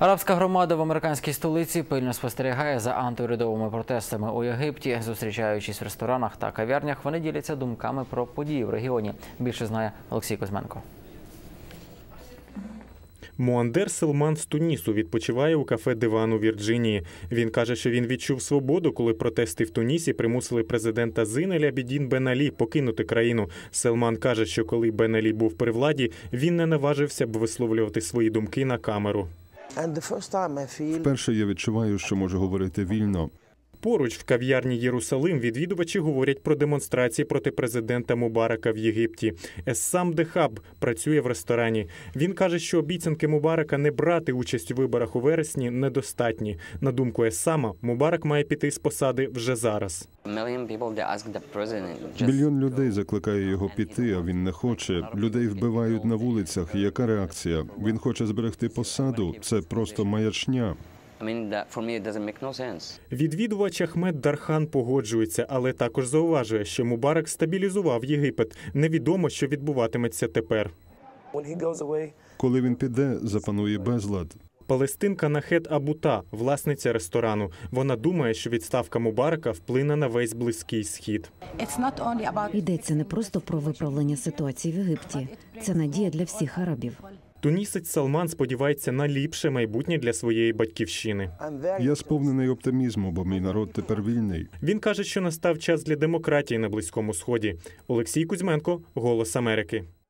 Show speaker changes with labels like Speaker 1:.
Speaker 1: Арабська громада в американській столиці пильно спостерігає за антиурядовими протестами у Єгипті. Зустрічаючись в ресторанах та кав'ярнях, вони діляться думками про події в регіоні. Більше знає Олексій Кузьменко.
Speaker 2: Муандер Селман з Тунісу відпочиває у кафе «Диван» у Вірджинії. Він каже, що він відчув свободу, коли протести в Тунісі примусили президента Зейн Абідін Бен Алі покинути країну. Селман каже, що коли Бен Алі був при владі, він не наважився б висловлювати свої думки на камеру.
Speaker 3: Вперше я відчуваю, що можу говорити вільно.
Speaker 2: Поруч в кав'ярні «Єрусалим» відвідувачі говорять про демонстрації проти президента Мубарака в Єгипті. Ессам Дехаб працює в ресторані. Він каже, що обіцянки Мубарака не брати участь у виборах у вересні недостатні. На думку Ессама, Мубарак має піти з посади вже зараз.
Speaker 3: Мільйон людей закликає його піти, а він не хоче. Людей вбивають на вулицях. Яка реакція? Він хоче зберегти посаду. Це просто маячня.
Speaker 2: Відвідувач Ахмед Дархан погоджується, але також зауважує, що Мубарак стабілізував Єгипет. Невідомо, що відбуватиметься тепер.
Speaker 3: Коли він піде, запанує безлад.
Speaker 2: Палестинка Нахед Абута – власниця ресторану. Вона думає, що відставка Мубарака вплине на весь Близький Схід.
Speaker 4: Йдеться не просто про виправлення ситуації в Єгипті. Це надія для всіх арабів.
Speaker 2: Тунісець Салман сподівається на ліпше майбутнє для своєї батьківщини.
Speaker 3: Я сповнений оптимізму, бо мій народ тепер вільний.
Speaker 2: Він каже, що настав час для демократії на Близькому Сході. Олексій Кузьменко, «Голос Америки».